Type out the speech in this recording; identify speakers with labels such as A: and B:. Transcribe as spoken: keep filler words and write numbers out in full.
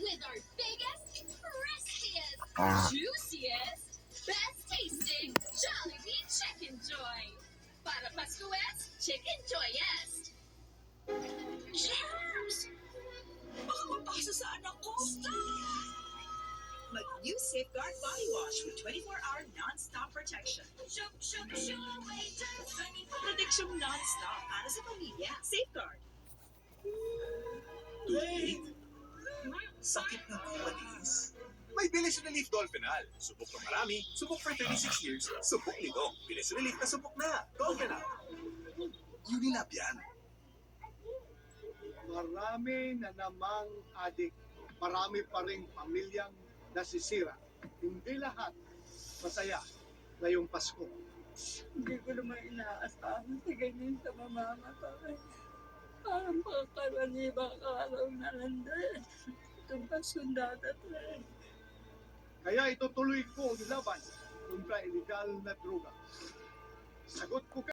A: with our biggest, crispiest,
B: Ah.
A: juiciest, best tasting Jollibee Chicken Joy. Para Pascues, Chicken Joyest.
C: Germs! Baka mapasa sa anak ko. Stop! Mag-new Safeguard Body Wash with twenty-four hour non-stop protection.
A: Shook, shook, shook, wait,
C: Protection non-stop para sa pamilya. Safeguard.
D: Tubig? Sakit na matiis? May bilis Relief Dolphinal. Subok ng marami, subok for thirty-six years, subok nito. Bilis Relief na subok na. Dolphinal. Unilab yan.
E: Marami na namang adik. Marami pa ring pamilyang nasisira. Hindi lahat masaya ngayong Pasko.
F: Hindi ko naman inaasahan sa ganyan sa mamamatay. Parang pagkaraniwang araw na lang din. Itong pasundada tayo.
E: Kaya itutuloy ko ang laban kontra illegal na droga. Sagot ko